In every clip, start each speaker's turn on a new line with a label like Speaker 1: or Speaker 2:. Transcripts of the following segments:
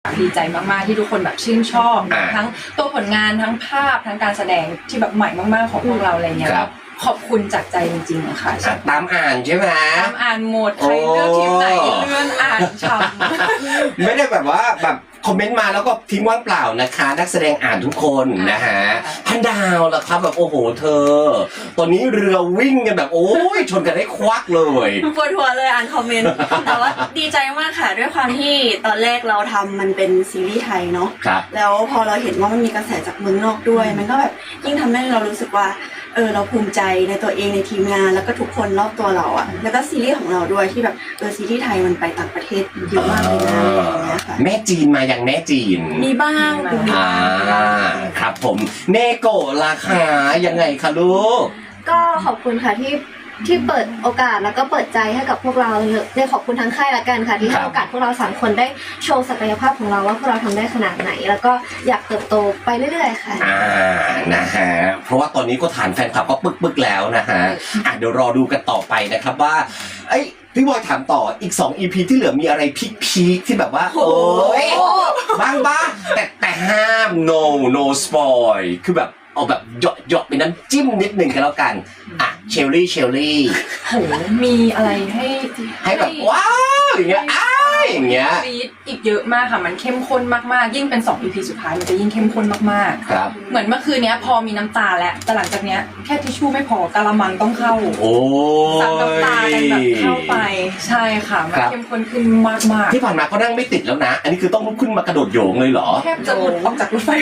Speaker 1: ค่ะดีใจมากๆที่ทุกคนแบบชื่นชอบทั้งตัวผลงานทั้งภาพทั้งการแสดงที่แบบใหม่มากๆของพวกเราอะไรเงี้ยขอบคุณจากใจจริงๆค่ะ
Speaker 2: ตามอ่านใช่ไหม
Speaker 1: ตามอ่านหมดใครเลือกทีมไหนเลื่อนอ่านฉ่ำ
Speaker 2: ไม่ได้แบบว่าแบบคอมเมนต์มาแล้วก็ทิ้งว่างเปล่านะคะนักแสดงอ่านทุกคนนะฮะพันดาวล่ะครับแบบโอ้โหเธอตอนนี้เรือวิ่งกันแบบโอ้ยชนกันให้ควักเลย
Speaker 3: ปวดหัวเลยอ่านคอมเมนต์แต่ว่าดีใจมากค่ะด้วยความที่ตอนแรกเราทำมันเป็นซีรีส์ไทยเนาะแล้วพอเราเห็นว่ามันมีกระแสจากเมืองนอกด้วยมันก็แบบยิ่งทำให้เรารู้สึกว่าเราภูมิใจในตัวเองในทีมงานแล้วก็ทุกคนรอบตัวเราอ่ะแล้วก็ซีรีส์ของเราด้วยที่แบบซีรีส์ไทยมันไปต่างประเทศเยอะมากเลยนะอย่างเงี้ยค่ะ
Speaker 2: แม่จีนมาอย่างแม่จีน
Speaker 3: มีบ้าง
Speaker 2: ครับผมเนโกะราคายังไงคะลูก
Speaker 4: ก็ขอบคุณค่ะที่เปิดโอกาสแล้วก็เปิดใจให้กับพวกเราเลยขอบคุณทั้งค่ายละกันค่ะที่ให้โอกาสพวกเรา3คนได้โชว์ศักยภาพของเราว่าพวกเราทำได้ขนาดไหนแล้วก็อยากเติบโตไปเรื่อยๆค่ะ
Speaker 2: นะฮะเพราะว่าตอนนี้ก็ฐานแฟนคลับก็ปึกๆแล้วนะฮะเดี๋ยวรอดูกันต่อไปนะครับว่าพี่บอยถามต่ออีก2 EP ที่เหลือมีอะไรพีคที่แบบว่าโอ้ยบ้างแต่ห้าม no spoil คือแบบเอาแบบหยอกเป็นน้ำจิ้มนิดนึงกันแล้วกันเชลลี่
Speaker 1: โหมีอะไรให้
Speaker 2: แบบว้าวอย่างเงี้ยอย่างเงี้ย
Speaker 1: อีกเยอะมากค่ะมันเข้มข้นมากๆยิ่งเป็น2 EP สุดท้ายมันจะยิ่งเข้มข้นมาก
Speaker 2: ๆครับ
Speaker 1: เหมือนเมื่อคืนนี้พอมีน้ำตาแล้วแต่หลังจากเนี้ยแค่ทิชชู่ไม่พอกะละมังต้องเข้า
Speaker 2: โอ้
Speaker 1: ซับน้ำตากันแบบเข้าไปใช่ค่ะมันเข้มข้นขึ้นมากๆ
Speaker 2: ที่ผ่านมาก็นั่งไม่ติดแล้วนะอันนี้คือต้องลุกขึ้นมากระโดดโยงเลยเหรอ
Speaker 1: แทบจะหลุดออกจากรถไฟ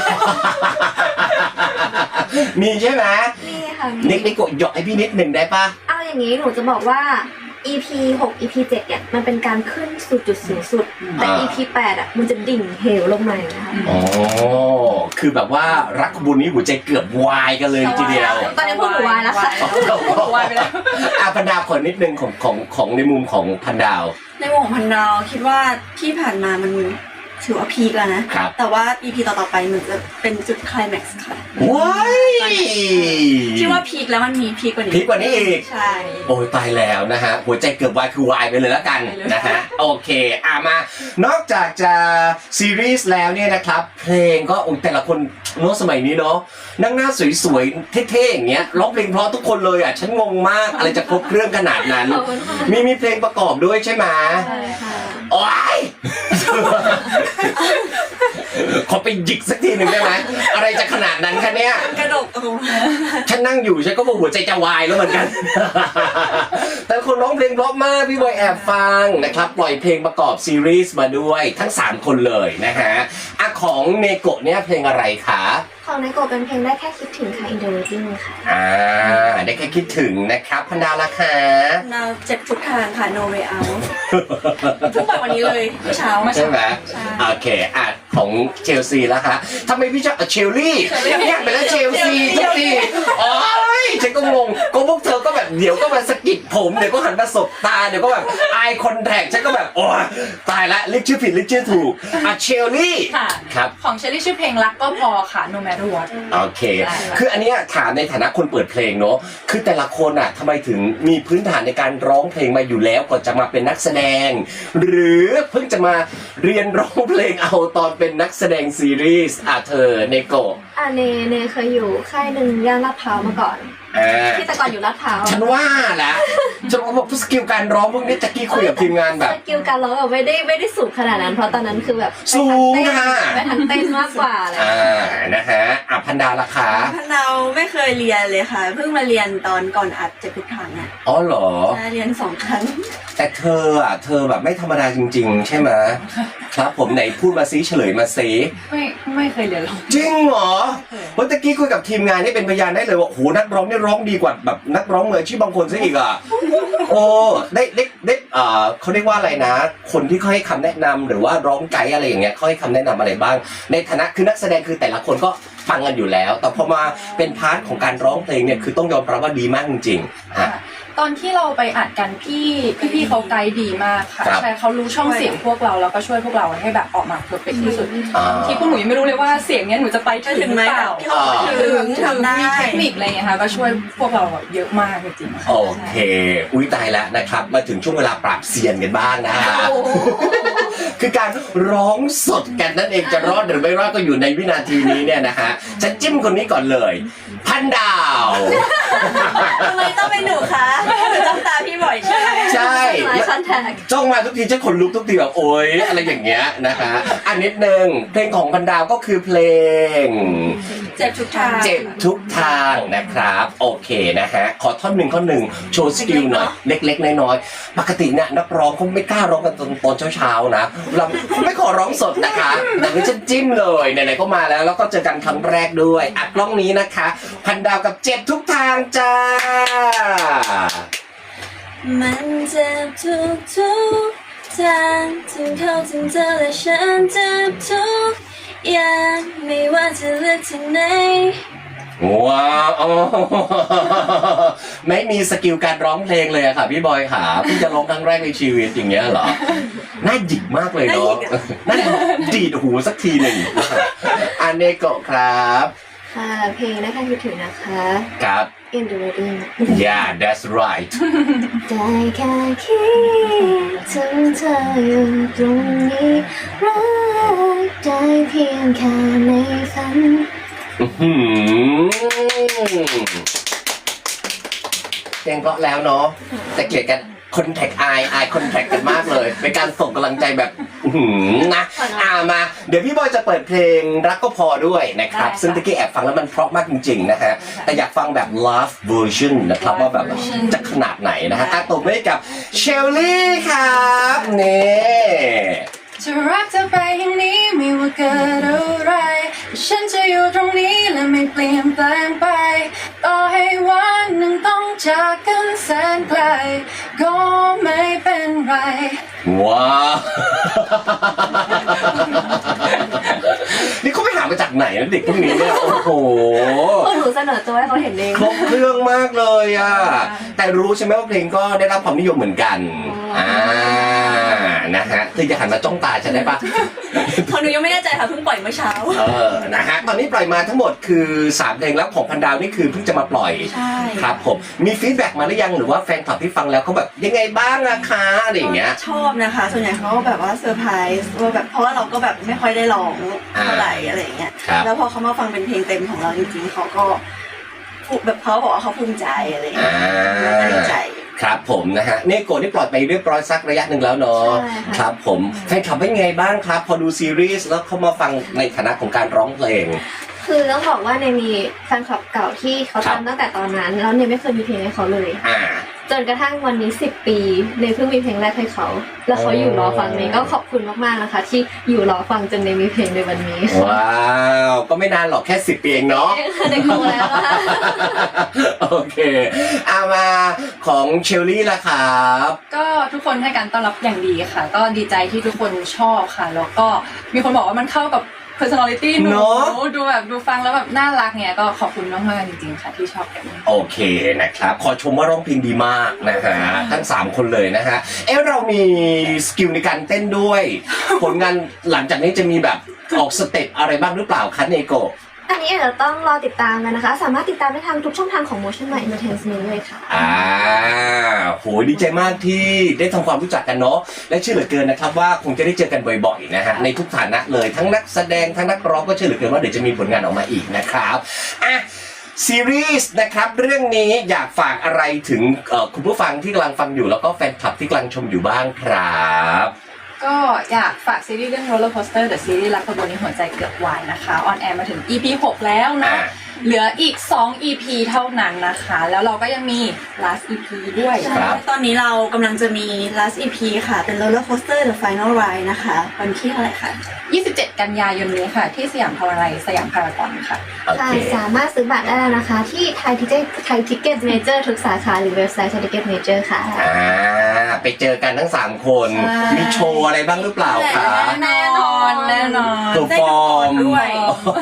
Speaker 2: มีใช่ไหม
Speaker 4: มีค่ะ
Speaker 2: นิโกะหยอกให้พี่นิดหนึ่งได้ปะ
Speaker 4: เอาอย่างนี้หนูจะบอกว่า EP 6 EP 7เนี่ยมันเป็นการขึ้นสู่จุดสูงสุดแต่ EP 8มันจะดิ่งเหวลงมานะคะ
Speaker 2: อ๋อคือแบบว่ารักขบุญนี้หัวใจเกือบวายกันเลยทีเดียว
Speaker 4: ตอนนี้พวกหนูวายแล้วค่ะ
Speaker 1: วายไปแล้ว
Speaker 2: พันดาวขอนิดนึงของในมุมของพันดาว
Speaker 3: ในมุมของพันดาวคิดว่าที่ผ่านมามันถือว่าพีคแล้วนะแต่ว่า EP ต่อไปมันจะเป็นจุดไคลแม็กซ์ค่ะ
Speaker 2: ว้าย
Speaker 3: ที่ว่าพีคแล้วมันมีพีคกว่านี้
Speaker 2: อีก
Speaker 3: ใช่
Speaker 2: โอ้ยตายแล้วนะฮะหัวใจเกือบวายคือวายไปเลยแล้วกันนะฮะโอเคมานอกจากจะซีรีส์แล้วเนี่ยนะครับเพลงก็แต่ละคนโน้ตสมัยนี้เนาะนั่งหน้าสวยๆเท่ๆอย่างเงี้ยร้องเพลงเพราะทุกคนเลยฉันงงมากอะไรจะครบเครื่องขนาดนั้นมีเพลงประกอบด้วยใช่ไหม
Speaker 4: ใช่ค่ะ
Speaker 2: โอ๊ยขอไปหยิกสักทีหนึ่งได้ไหมอะไรจะขนาดนั้นคะเนี่ย
Speaker 3: กระดก
Speaker 2: ฉันนั่งอยู่ฉันก็บอกหัวใจจะวายแล้วเหมือนกันแต่คนร้องเพลงเพราะมากพี่บอยแอบฟังนะครับปล่อยเพลงประกอบซีรีส์มาด้วยทั้ง3คนเลยนะฮะของเนโกะเนี่ยเพลงอะไรคะ
Speaker 4: ของเนโกะเป็นเพลงได้แค่คิดถึงค่ะ In the Waiting ค่ะ
Speaker 2: ได้แค่คิดถึงนะครับพันดาวละค่ะ
Speaker 3: ดาวเจ็บทุกทางค่ะ No Way Out ทุกแบบวันนี้เลยเช้า
Speaker 2: ใช่ไหมโอเคของเชลซีแล้วคะทำไมพี่ชอบเชลลี่อยากเป็นแล้วเชลซีทุกทีฉันก็งงก็พวกเธอก็แบบเดี๋ยวก็มาสะกิดผมเดี๋ยวก็หันมาสบตาเดี๋ยวก็แบบไอคอนแทคฉันก็แบบโอ้ตายละเรียกชื่อผิดเรียกชื่อถูกเชลลี่
Speaker 1: ครับของเชลลี่ชื่อเพลงรักก็พอค่ะ No Matter What
Speaker 2: โอเคคืออันนี้ถามในฐานะคนเปิดเพลงเนาะคือแต่ละคนทำไมถึงมีพื้นฐานในการร้องเพลงมาอยู่แล้วก่อนจะมาเป็นนักแสดงหรือเพิ่งจะมาเรียนร้องเพลงเอาตอนเป็นนักแสดงซีรีส์เธอเนโกะ
Speaker 4: เนเคยอยู่ค่ายหนึ่งย่านลาดพร้าวมาก่อนที่แต่ก่อนอยู่ลาดพร้าว
Speaker 2: ฉันว่าแหละฉันบอกสกิลการร้องพวกนี้จะกี้คุยกับทีมงานแบบ
Speaker 4: สกิลการร้องไม่ได้สูงขนาดนั้นเพราะตอนนั้นคือแบบ
Speaker 2: สูง
Speaker 4: ไปทางเต้นมากกว่าเลย
Speaker 2: นะฮะพันดาวราคา
Speaker 3: พันดาวไม่เคยเรียนเลยค่ะเพิ่งมาเรียนตอนก่อนอัดเจ็บทุกทาง
Speaker 2: อ๋อเหรอ
Speaker 3: เรียน2 ครั้ง
Speaker 2: แต่เธอแบบไม่ธรรมดาจริงๆใช่ไหมครับผมไหนพูดมาซิเฉลยมาซิ
Speaker 1: ไม่เคยเรียนร้อง
Speaker 2: จริงเหรอเมื่อกี้คุยกับทีมงานนี่เป็นพยานได้เลยว่าโหนักร้องนี่ร้องดีกว่าแบบนักร้องมืออาชีพบางคนซะอีกโอ้ได้เขาเรียกว่าอะไรนะคนที่เขาให้คำแนะนำหรือว่าร้องไกด์อะไรอย่างเงี้ยเขาให้คำแนะนำอะไรบ้างในฐานะคือนักแสดงคือแต่ละคนก็ฟังกันอยู่แล้วแต่พอมาเป็นพาร์ทของการร้องเพลงเนี่ยคือต้องยอมรับว่าดีมากจริงๆ
Speaker 1: ตอนที่เราไปอัดกันพี่เขาไกด์ดีมากค่ะใช่เขารู้ช่องเสียงพวกเราแล้วก็ช่วยพวกเราให้แบบออกมาเพอร์เฟคที่สุดที่พวกหนูยังไม่รู้เลยว่าเสียงเนี้ยหนูจะไปถึงหรือเปล่าถึงมีเทคนิคอะไรเงี้ยค่ะก็ช่วยพวกเราเยอะมากจริงๆ
Speaker 2: โอเคอุ้ยตายแล้วนะครับมาถึงช่วงเวลาปราบเซียนกันบ้างนะฮะคือการร้องสดกันนั่นเองจะรอดหรือไม่รอดก็อยู่ในวินาทีนี้เนี่ยนะฮะจะจิ้มคนนี้ก่อนเลยพันดาว
Speaker 3: ทำไมต้องเป็นหนูคะหนูจ้องตาพี่บ่อยใช่ไหม
Speaker 2: ใช่
Speaker 4: ไลฟ์คอนแทค
Speaker 2: จ้องมาทุกทีจะขนลุกทุกทีแบบโอ๊ยอะไรอย่างเงี้ยนะคะอันนิดนึงเพลงของพันดาวก็คือเพลง
Speaker 3: เจ็บทุกทาง
Speaker 2: เจ็บทุกทางนะครับโอเคนะฮะขอท่อนหนึ่งโชว์สกิลหน่อยเล็กๆน้อยๆปกติเนี่ยนักร้องเขาไม่กล้าร้องกันตอนเช้าๆนะเราไม่ขอร้องสดนะคะแต่นี่ฉันจิ้มเลยไหนๆก็มาแล้วก็เจอกันครั้งแรกด้วยอัดกล้องนี้นะคะพันดาวกับเจ็บทุกทางจ้า
Speaker 3: มันเจ็บทุกทางถึงเขาถึงเธอและฉันเจ็บทุกอย่างไม่ว่าจะเลือกทางไหน
Speaker 2: ว้าวไม่มีสกิลการร้องเพลงเลยอะค่ะพี่บอยค่ะเพิ่งจะร้องครั้งแรกในชีวิตอย่างเงี้ยเหรอน่าหยิกมากเลยเนาะน่าดีดหูสักทีหนึ่งอันเนโกะครับ
Speaker 4: ค่ะเพลงนะคะคิดถึงนะคะ
Speaker 2: ครับ
Speaker 4: In the Wedding
Speaker 2: Yeah that's right
Speaker 4: ได้แค่คิดถึงเธออยู่ตรงนี้รักได้เพียงแค่ในฝัน
Speaker 2: เพลงเพราะแล้วเนาะแต่เกลียดกันคอนแทคไอคอนแทคกันมากเลยเป็นการส่งกำลังใจแบบนะมาเดี๋ยวพี่บอยจะเปิดเพลงรักก็พอด้วยนะครับซึ่งตะกี้แอบฟังแล้วมันเพราะมากจริงๆนะฮะแต่อยากฟังแบบ Love Version นะครับว่าแบบจะขนาดไหนนะฮะตบมือให้กับเชลลี่ครับนี่
Speaker 1: จะรักเธอไปอย่างนี้ไม่ว่าเกิดอะไรฉันจะอยู่ตรงนี้และไม่เปลี่ยนแปลงไปต่อให้วันหนึ่งต้องจากกันแสนไกลก็ไม่เป็นไร
Speaker 2: ว้าวนี่เขาไปหามาจากไหนนะเด็กพวกนี้เนี่ยโอ้โห
Speaker 4: หนูเสนอตัวให้เขาเห็นเอง
Speaker 2: ครบเครื่องมากเลยอ่ะแต่รู้ใช่ไหมว่าเพลงก็ได้รับความนิยมเหมือนกันนะฮะเธอจะหันมาจ้องตาฉันได้ปะ
Speaker 3: หนูยังไม่แน่ใจค่ะเพิ่งปล่อยเมื่อเช้า
Speaker 2: นะฮะตอนนี้ปล่อยมาทั้งหมดคือ3เพลงแล้วของพันดาวนี่คือเพิ่งจะมาปล่อยครับผมมีฟีดแบ็กมาหรือยังหรือว่าแฟนคลับที่ฟังแล้วเขาแบบยังไงบ้างอะคะอะไรอย่างเงี้ย
Speaker 3: ชอบนะคะส่วนใหญ่เขาแบบว่าเซอร์ไพรส์ว่าแบบเพราะว่าเราก็แบบไม่ค่อยได้ร้องเท่าไหร่อะไรอย่างเงี้ยแล้วพอเขามาฟังเป็นเพลงเต็มของเราจริงๆเขาก็แบบเขาบอกว่าเขาภูมิใจอะไรอย่างเงี้ยดีใจ
Speaker 2: ครับผมนะฮะเนโกะนี่ปล่อยไปเรียบร้อยสักระยะหนึ่งแล้วเนาะครับผมแฟนคลับเป็นไงบ้างครับพอดูซีรีส์แล้วเขามาฟังในฐานะของการร้องเพลง
Speaker 4: คือต้องบอกว่าในมีแฟนคลับเก่าที่เขาทำตั้งแต่ตอนนั้นแล้วเนี่ยไม่เคยมีเพลงให้เขาเลยจนกระทั่งวันนี้10 ปีเนี่ยเพิ่งมีเพลงแรกให้เขาแล้วเขาอยู่รอฟังนี้ก็ขอบคุณมากๆนะคะที่อยู่รอฟังจนในมีเพลงในวันนี้
Speaker 2: ว้าวก็ไม่นานหรอกแค่10 ปีเองเนาะ
Speaker 4: เด็กโตแล้วค่ะ
Speaker 2: โอเคมาของเชลลี่ล่ะครับ
Speaker 1: ก็ทุกคนให้การต้อนรับอย่างดีค่ะก็ดีใจที่ทุกคนชอบค่ะแล้วก็มีคนบอกว่ามันเข้ากับpersonality หนูดูแบบดูฟังแล้วแบบน่ารักเนี่ยก็ขอบคุณมากๆจริงๆค่ะที่ชอบกัน
Speaker 2: โอเคนะครับขอชมว่าร้องเพลงดีมากนะฮะทั้ง3คนเลยนะฮะเรามีสกิลในการเต้นด้วยผลงานหลังจากนี้จะมีแบบออกสเต็ปอะไรบ้างหรือเปล่าคะเนโกะ
Speaker 4: อันนี้อาจจะต้องรอติดตามกันนะคะสามารถติดตามได้ทางทุกช่องทางของ Motion Light Entertainment เลยค่ะ
Speaker 2: โหดีใจมากที่ได้ทำความรู้จักกันเนาะและเชื่อเหลือเกินนะครับว่าคงจะได้เจอกันบ่อยๆนะฮะในทุกฐานะเลยทั้งนักแสดงทั้งนักร้องก็เชื่อเหลือเกินว่าเดี๋ยวจะมีผลงานออกมาอีกนะครับซีรีส์นะครับเรื่องนี้อยากฝากอะไรถึงคุณผู้ฟังที่กำลังฟังอยู่แล้วก็แฟนคลับที่กำลังชมอยู่บ้างครับ
Speaker 1: ก็อยากฝากซีรีส์เรื่อง Roller Coaster The Series รักขบวนนี้หัวใจเกือบวายนะคะออนแอร์มาถึง EP 6 แล้วนะเหลืออีก2 EP เท่านั้นนะคะแล้วเราก็ยังมี last EP ด้วย
Speaker 3: ตอนนี้เรากำลังจะมี last EP ค่ะเป็น Roller Coaster The Final Ride นะคะวันที่เท่าไหร่คะ
Speaker 1: 27 กันยายนนี้ค่ะที่สยามพารากอนสยามพารากอนค่ะ
Speaker 4: สามารถซื้อบัตรได้แล้วนะคะที่ไทยทิเก็ตเมเจอร์ทุกสาขาหรือเว็บไซต์ไทยทิเก็ตเมเจอร์ค่ะ
Speaker 2: ไปเจอกันทั้ง3คนมีโชว์อะไรบ้างหรือเปล่าคะ
Speaker 1: แน่นอน
Speaker 2: ตัวฟอร์มด้วย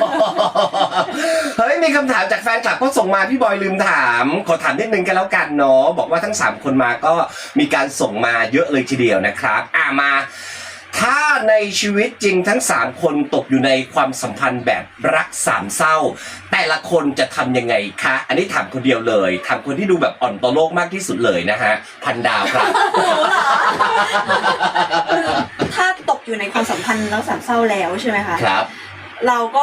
Speaker 2: เฮ้ยมีคำถามจากแฟนคลับก็ส่งมาพี่บอยลืมถามขอถามนิดนึงกันแล้วกันเนาะบอกว่าทั้ง3คนมาก็มีการส่งมาเยอะเลยทีเดียวนะครับมาถ้าในชีวิตจริงทั้ง3คนตกอยู่ในความสัมพันธ์แบบรักสามเศร้าแต่ละคนจะทำยังไงคะอันนี้ถามคนเดียวเลยถามคนที่ดูแบบอ่อนต่อโลกมากที่สุดเลยนะฮะพันดาวครับ
Speaker 3: ถ้าตกอยู่ในความสัมพันธ์แล้วสามเศร้าแล้วใช่ไหมคะ
Speaker 2: ครับ
Speaker 3: เราก็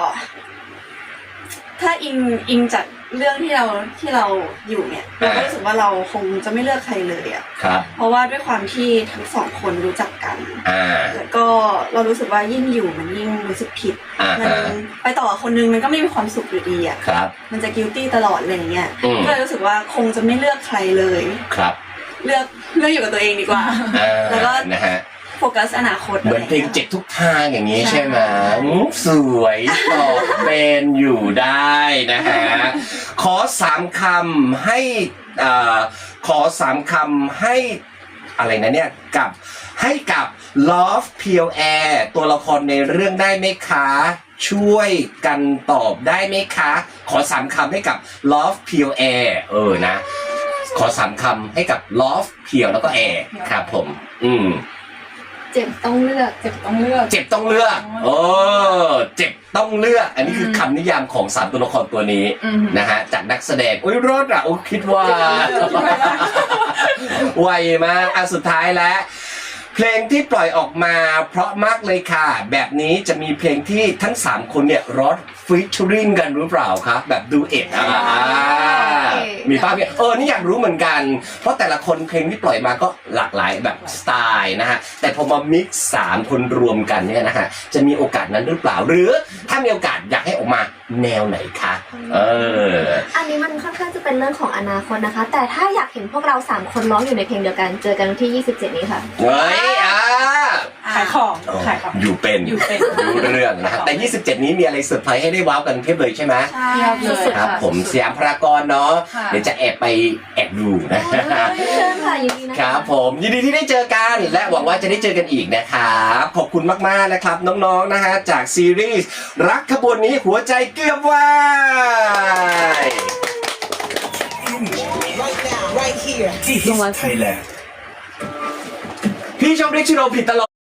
Speaker 3: ถ้าอิงจากเรื่องที่เราอยู่เนี่ยเราก็รู้สึกว่าเราคงจะไม่เลือกใครเลยอ่ะ
Speaker 2: ครับ
Speaker 3: เพราะว่าด้วยความที่ทั้งสองคนรู้จักกัน
Speaker 2: อ่า
Speaker 3: แล้วก็เรารู้สึกว่ายิ่งอยู่มันยิ่งรู้สึกผิด มันไปต่อกับคนนึงมันก็ไม่มีความสุขอยู่ดีอ่ะ
Speaker 2: ครับ
Speaker 3: มันจะ guilty ตลอดอะไรอย่างเงี้ย
Speaker 2: อืม
Speaker 3: ก็เลยรู้สึกว่าคงจะไม่เลือกใครเลย
Speaker 2: ครับ
Speaker 3: เลือกอยู่กับตัวเองดีกว่า แล้วก็
Speaker 2: นะฮะ
Speaker 3: โฟกัสอนาคต
Speaker 2: เหมือนเพลงเจ็บทุกทางอย่างนี้
Speaker 3: ใช่
Speaker 2: ใช่ไหมสวยตอบเป็นอยู่ได้นะฮะ ขอ3 คำให้ขอ3 คำให้อะไรนะเนี่ยให้กับ Love Pure Air ตัวละครในเรื่องได้ไหมคะ ช่วยกันตอบได้ไหมคะ ขอ3 คำให้กับ Love Pure Air นะ ขอ3 คำให้กับ Love Pure แล้วก็ Air ครับผม
Speaker 4: เจ็บต้องเลือก
Speaker 1: เจ็บต้องเลือก
Speaker 2: เจ็บต้องเลือกเจ็บต้องเลือก อันนี้คือคำนิยามของ3 ตัวละครตัวนี้นะฮะจากนักแสดงรถอ่ะคิดว่า ไวมากสุดท้ายแล้ว เพลงที่ปล่อยออกมาเพราะมากเลยค่ะแบบนี้จะมีเพลงที่ทั้ง3 คนเนี่ยร้องฟีเจอริงกันหรือเปล่าครับแบบดูเอ็ดมีป้าเนี่ยนี่อยากรู้เหมือนกันเพราะแต่ละคนเพลงที่ปล่อยมาก็หลากหลายแบบสไตล์นะฮะแต่พอมามิกซ์3 คนรวมกันเนี่ยนะฮะจะมีโอกาสนั้นหรือเปล่าหรือถ้ามีโอกาสอยากให้ออกมาแนวไหนคะ
Speaker 4: อันนี้มันค่อนข้างจะเป็นเรื่องของอนาคตนะคะ แต่ถ้าอยากเห็นพวกเรา3 คนร้องอยู่ในเพลงเดียวกันเจอกันวันที่ 27 นี้ค่ะ
Speaker 2: เฮ้ย
Speaker 1: ขายของ
Speaker 2: อยู่เป็นรู้เรื่องนะฮะแต่ 27 นี้มีอะไรเซอร์ไพรส์ให้ได้ว้าวกันเพียบเลยใช่ไหม
Speaker 3: ใช่
Speaker 1: สุดๆ
Speaker 2: ครับผมสยามพารากอนเนาะเดี๋ยวจะแอบดูนะ
Speaker 4: เชิญค่ะยินดีนะคะ
Speaker 2: ครับผมยินดีที่ได้เจอกันและหวังว่าจะได้เจอกันอีกนะครับขอบคุณมากๆนะครับน้องๆนะฮะจากซีรีส์รักขบวนนี้หัวใจเกือบวาย
Speaker 5: Right now, right here. This is Thailand.
Speaker 2: พี่ชอบเรียกชื่อเราผิดตลอด